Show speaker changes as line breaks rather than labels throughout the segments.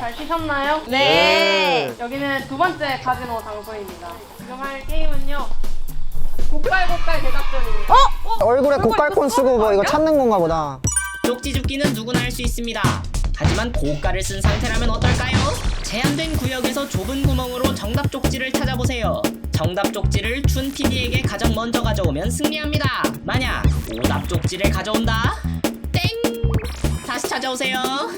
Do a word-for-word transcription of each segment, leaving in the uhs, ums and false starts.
잘 쉬셨나요?
네.
여기는 두 번째 카지노 장소입니다. 지금 할 게임은요. 고깔고깔 대작전입니다.
어?
얼굴에 고깔콘 쓰고 뭐 이거 찾는 건가 보다.
쪽지 줍기는 누구나 할 수 있습니다. 하지만 고가를 쓴 상태라면 어떨까요? 제한된 구역에서 좁은 구멍으로 정답 쪽지를 찾아보세요. 정답 쪽지를 준 피디에게 가장 먼저 가져오면 승리합니다. 만약 오답 쪽지를 가져온다? 땡! 다시 찾아오세요.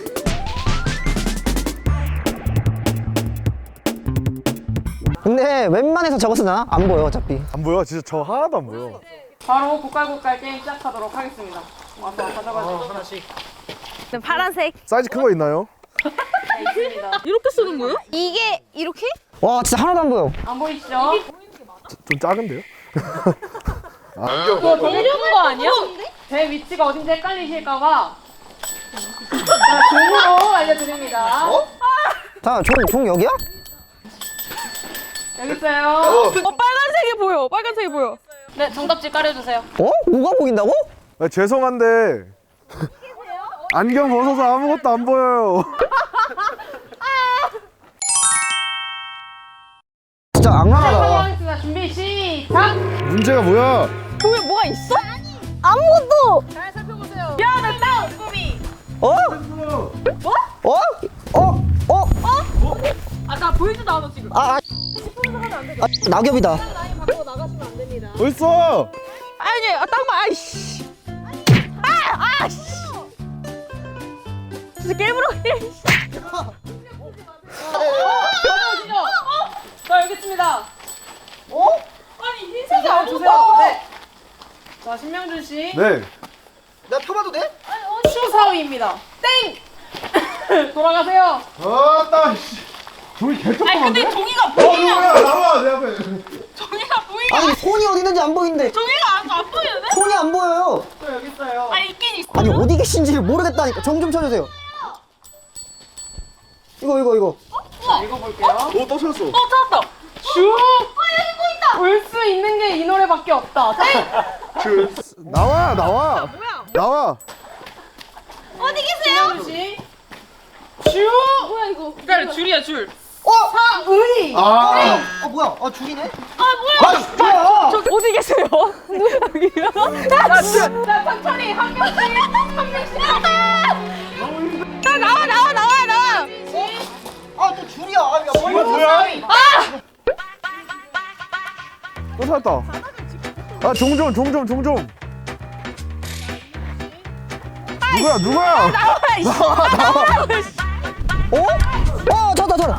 근데 웬만해서 저거 쓰나? 안 보여 어차피.
안 보여? 진짜 저 하나도 안 보여.
바로 고깔고깔 게임 시작하도록 하겠습니다. 와서 가져가지고
하나씩.
네, 파란색.
사이즈 큰 거 있나요?
네, 있습니다.
이렇게 쓰는 거예요? 이게 이렇게?
와 진짜 하나도 안 보여.
안 보이시죠?
좀 작은데요?
그거 되게 큰 거 아니야? 제 위치가 어딘지 헷갈리실까봐 자, 종으로 알려드립니다.
자, 종, 종 여기야?
여기 있어요.
어, 빨간색이 보여. 빨간색이 보여.
네, 정답지 깔아주세요.
어? 뭐가 보인다고?
아, 죄송한데 안경 벗어서 아무것도 안 보여요.
진짜
자,
악랄하다.
하겠습니다. 준비 시작!
문제가 뭐야?
보면 뭐가 있어? 아무것도.
잘 살펴보세요. 미안해, 다운! 꾸미!
어? 어? 어? 어?
아까 보이지도 않아, 지금.
아, 아, 아 낙엽이다.
어딨어?
아니, 아, 딱 봐. 아이씨. 아, 아, 씨. 진짜 깨물어.
가져오시죠. 자, 여기 있습니다.
어?
아니, 흰색이 안 주세요. 네. 자, 신명준 씨.
네.
내가 펴봐도 돼?
추사위입니다. 땡! 돌아가세요.
아따 씨. 종이 개쩍한데?
아니, 근데 종이가
어
보이냐?
누구야? 나와 내 앞에.
종이가 보이냐?
아니 손이 어디 있는지 안 보이는데.
종이가 안, 안 보이는데?
손이 안 보여요.
저 여기 있어요. 아, 있긴 있어.
아니 어디 계신지 모르겠다니까. 종 좀 쳐주세요. 이거 이거 이거.
자, 읽어볼게요.
오또 찾았어.
어, 찾았다. 슈! 아, 여기 보인다. 볼 수 있는 게 이 노래밖에 없다. 땡!
그, 나와 나와. 나와.
어디 계세요?
신명준 씨. 슈!
뭐야 이거?
그러니까 줄이야, 줄.
어?
사의!
아.
어 뭐야? 어 죽이네?
아, 뭐야?
아 뭐야?
저 어디 계세요? 누가 여기요?
자, 자, 천천히 한 명씩, 한 명씩.
나 나와 나와 나와 나와.
아또 줄이야. 아, 야,
이거 뭐야?
아!
또 찾았다. 아 종종 종종 종종. 누구야 누구야?
나와 이씨.
어? 어 저다 저다.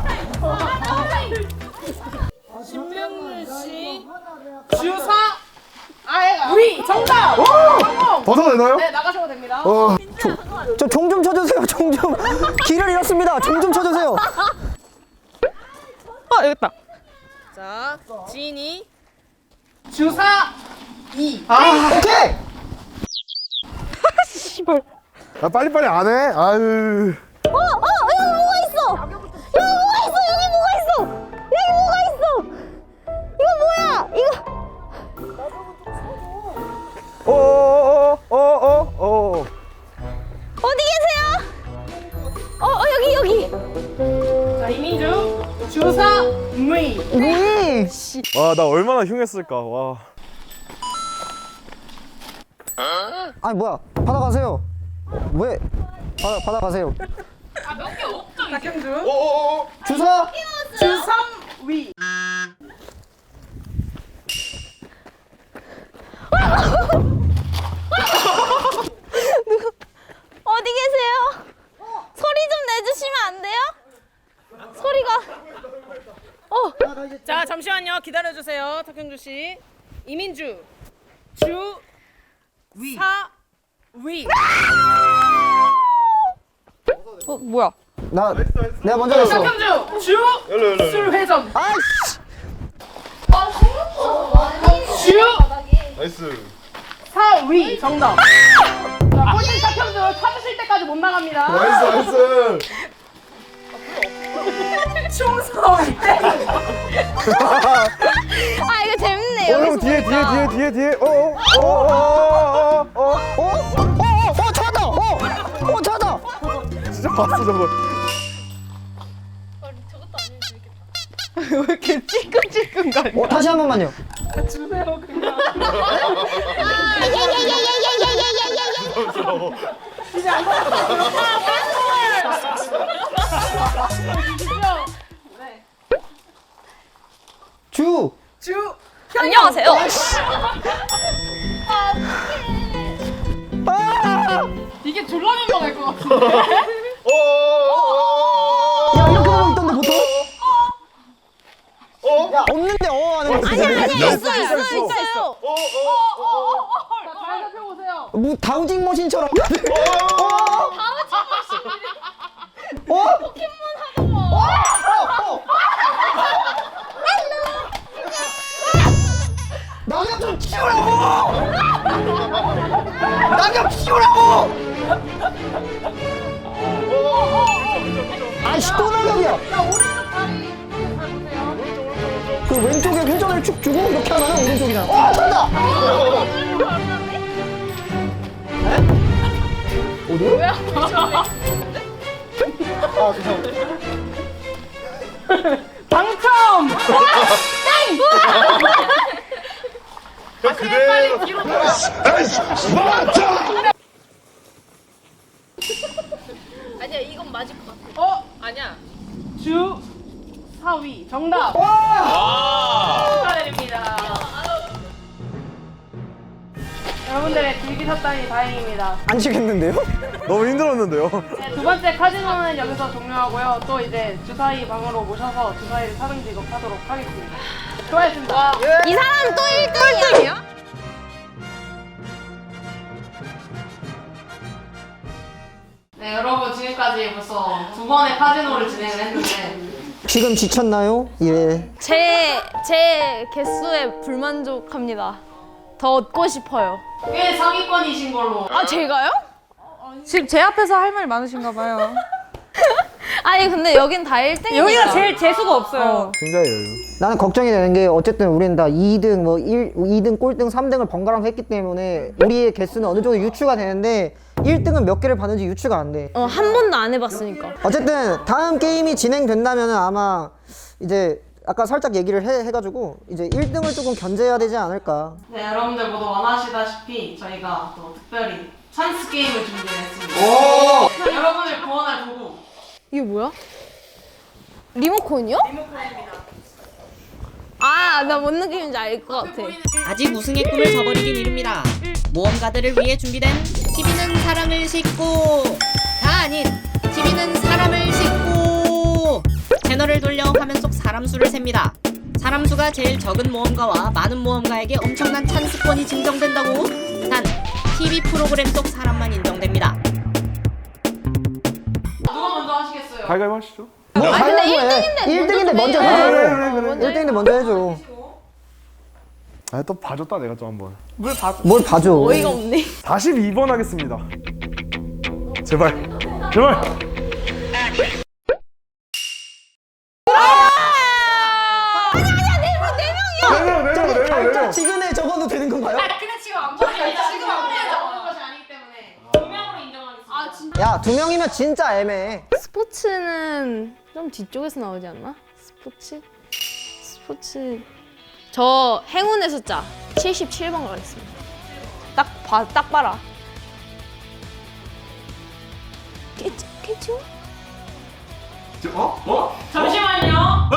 신명준 씨. 주사. 아예 우리 정답.
벗어도 되나요?
네, 나가셔도 됩니다.
어.
저 종 좀 쳐주세요. 종 좀. 길을 잃었습니다. 종 좀 쳐주세요.
어 여기 있다.
자, 지인이 주사 이.
오케이.
씨발.
아 빨리 빨리 안 해. 아유.
어, 어, 여기 뭐가 있어? 여기 뭐가 있어? 여기 뭐가 있어? 여기 뭐가 있어? 이거 뭐야? 이거
어어어어어 어.
어디 계세요? 어, 어 여기 여기.
자, 이민주 주사 의.
음.
와 나 얼마나 흉했을까. 와.
아니 뭐야? 받아가세요. 왜? 받아 받아가세요.
박형준
어어어.
주사.
주삼 위.
어디 계세요? 소리 좀 내주시면 안 돼요? 소리가. 어.
자, 잠시만요. 기다려 주세요. 탁형주 씨. 이민주 주 위. 사 위.
어 뭐야?
나 내가 먼저 했어.
탁형주 주
열로 열로.
술 회전.
아이씨.
주
나이스.
사 위. 정답. 자, 꼴찌 탁형주 찾으실 때까지 못 나갑니다.
나이스 나이스.
충성.
아 이거 재밌네.
어 형
여기서
뒤에 뒤에
보니까.
뒤에 뒤에 뒤에. 어어어어어어.
어? 어? 어? 어? 찾았다. 어? 어 찾았다.
진짜 봤어 저거.
왜 이렇게 찔끔찔끔 가냐?
어, 다시 한 번만요.
주세요 그냥. 이제 안 네.
주.
주.
안녕하세요.
아!
이게 졸라 민망할 것 같은데.
야, 이렇게 하고 있던데 보통? 야, 없는데 어 하는 거.
아니야, 아니야, 있어, 있어, 있어, 있어요.
잘 살펴보세요.
뭐 다우징 머신처럼. 어? 어? 포켓몬 하는 거. 어? 어? 어? 낙엽 좀 치우라고! 낙엽 치우라고! 아이씨, 또 낙엽이야!
자 오른쪽 다리 잘 보세요.
그 왼쪽에 회전을 축 주고 이렇게 하면 오른쪽이잖아. 어, 된다! 어디요?
뭐야?
아, 죄송합니다.
당첨!
야 그대로.
뒤로 돌아.
아니야, 이건 맞을 것 같아.
어? 아니야. 주 사위 정답. 축하드립니다. 여러분들의 즐기셨다니 다행입니다.
안 치겠는데요?
너무 힘들었는데요.
네, 두 번째 카지노는 여기서 종료하고요. 또 이제 주사위 방으로 모셔서 주사위를 사등 지급하도록 하겠습니다. 수고하셨습니다.
이 사람 또 일 등이야?
네, 여러분 지금까지 벌써 두 번의 카지노를 진행을 했는데
지금 지쳤나요? 예.
제, 제 개수에 불만족합니다. 더 얻고 싶어요.
꽤 상위권이신 걸로.
아, 제가요?
지금 제 앞에서 할 말이 많으신가 봐요.
아니, 근데 여긴 다 일 등이니까.
여기가 제일 재수가 없어요.
굉장히 여유.
나는 걱정이 되는 게 어쨌든 우리는 다 이 등, 뭐 일, 이 등, 꼴등, 삼 등을 번갈아서 했기 때문에 우리의 개수는 어느 정도 유추가 되는데 일 등은 몇 개를 받는지 유추가 안 돼.
어, 한 번도 안 해봤으니까.
어쨌든 다음 게임이 진행된다면 아마 이제 아까 살짝 얘기를 해, 해가지고 이제 일 등을 조금 견제해야 되지 않을까.
네, 여러분들 모두 원하시다시피 저희가 또 특별히 찬스 게임을 준비했습니다. 여러분을 구원할 도구.
이게 뭐야? 리모컨이요?
리모컨입니다.
아, 나 뭔 느낌인지 알 것 같아.
아직 우승의 꿈을 저버리긴 이릅니다. 모험가들을 위해 준비된 티비는 사람을 싣고 다 아닌 티비는 사람을 싣고 채널을 돌려 화면 속 사람 수를 셉니다. 사람 수가 제일 적은 모험가와 많은 모험가에게 엄청난 찬스권이 증정된다고. 단 티비 프로그램 속 사람만 인정됩니다.
누가 먼저 하시겠어요?
가위바위보 하시죠.
뭐
아니, 근데
가위바위보 해. 일 등인데 먼저
해줘요.
해줘.
그래, 그래, 그래.
일 등인데 먼저 해줘.
아 또 봐줬다 내가 또 한번.
뭘 봐줘.
어이가 없네.
사십이 번 하겠습니다. 제발. 제발. 네 명, 네 명, 네 명, 네
발작
명.
지근에 적어도 되는 건가요?
근데 지금 안 보여요. 지금 안 보여요. 것이 아니기 때문에 두 명으로 인정하겠습니다. 아, 진짜?
야, 두 명이면 진짜 애매해.
스포츠는 좀 뒤쪽에서 나오지 않나? 스포츠? 스포츠. 저 행운의 숫자 칠십칠 번 가겠습니다. 딱 봐, 딱 봐라. 깨지, 깨지요?
어? 어?
잠시만요.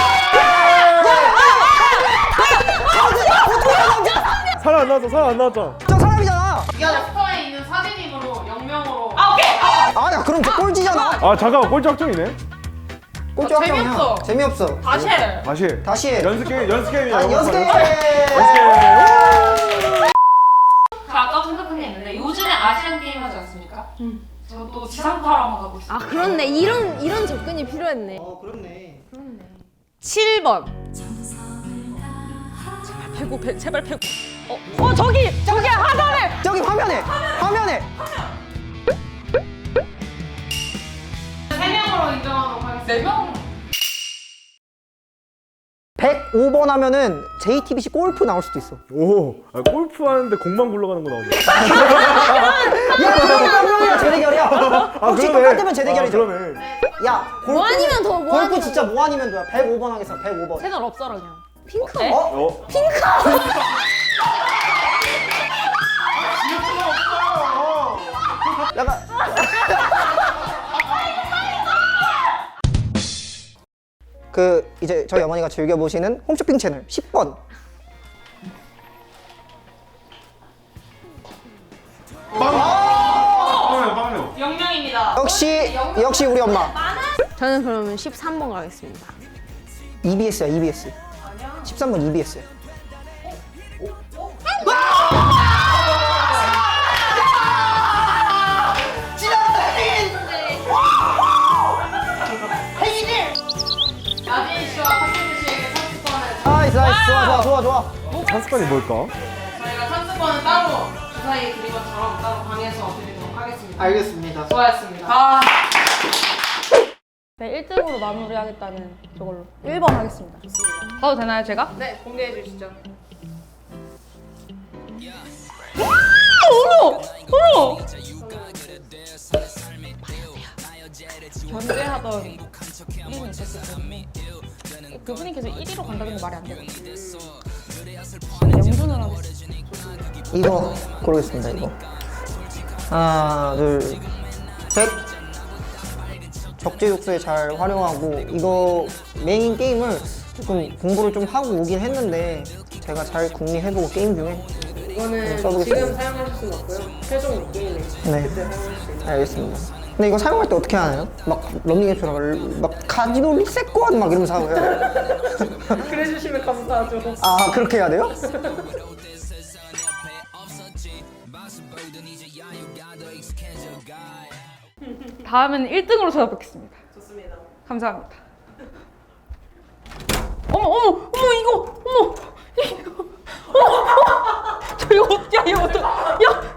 사람 안 나왔어. 사람 안 나왔잖아.
저 사람이잖아.
이게 스토어에 있는 사진이므로 영명으로. 아, 오케이.
아, 야, 그럼 저 꼴찌잖아.
아 잠깐만 꼴찌 확정이네.
꼴찌
아,
확정이야.
재미없어.
재미없어.
다시 해.
다시 해.
다시 해.
연습 게임 연습 게임이야.
아, 연습 게임.
연습 게임.
저 아까 생각한 게 있는데 요즘에 아시안 게임 하지 않습니까? 응. 저도 지상파로 한번 가고 있어요.
아, 그렇네. 이런 이런 접근이 필요했네.
어, 그렇네.
칠 번. 제발 배고 배, 제발 배고. 어, 어 저기 저기 하단에.
저기 화면에. 화면에.
세 명으로 인정하도록 하겠습니다.
네 명?
백오 번 하면은 제이티비씨 골프 나올 수도 있어.
오, 아, 골프 하는데 공만 굴러가는 거 나오네.
야, 그러면 재대결이야. 혹시
그러네.
똑같으면 재대결이죠.
아, 그러네.
야, 골프,
뭐 아니면 더, 뭐
골프
아니면
진짜 뭐 아니면 돼요. 백오 번 하겠어. 백오 번.
채널 없어라 그냥. 핑크.
어?
어?
약간 그 이제 저희 어머니가 즐겨 보시는 홈쇼핑 채널 십 번.
빵이요, 빵이요.
영명입니다.
역시 역시 우리 엄마.
저는 그러면 십삼 번 가겠습니다.
이비에스야, 이비에스. 십삼 번 이비에스.
나진 씨와 탁현주 씨에게 삼십번을
나이스, 나이스. 좋아, 좋아, 좋아, 좋아.
한습관이 뭘까?
저희가 삼십번은 따로 주사위 드린 것처럼 따로 방에서 드리도록 하겠습니다.
알겠습니다.
수고하셨습니다. 아.
네, 일 등으로 마무리하겠다는 저걸로 일 번 하겠습니다. 가도 되나요, 제가?
네, 공개해 주시죠.
견제하던 일인이 있었을 때문에 그분이 계속 일 위로 간다는 게 말이 안 되거든요. 영준을 하겠습니다.
이거 고르겠습니다. 이거. 하나, 둘, 셋. 적재적소에 잘 활용하고 이거 메인 게임을 조금 공부를 좀 하고 오긴 했는데 제가 잘 궁리해보고 게임 중에
이거는
써보겠습니다.
지금 사용하실 수는 없고요. 최종 게임에
네.
그때 사용할 수 있어요.
알겠습니다. 근데 이거 사용할 때 어떻게 하나요? 막 런닝앱처럼 막 카지노 리셋권 막 이러면서 하고요.
그래 주시면 감사하죠.
아 그렇게 해야 돼요?
다음에는 일 등으로 찾아뵙겠습니다.
좋습니다.
감사합니다. 어머, 어머, 어머, 이거, 어머, 이거, 어머, 어머, 저 이거, 야, 이거 어떡, 야,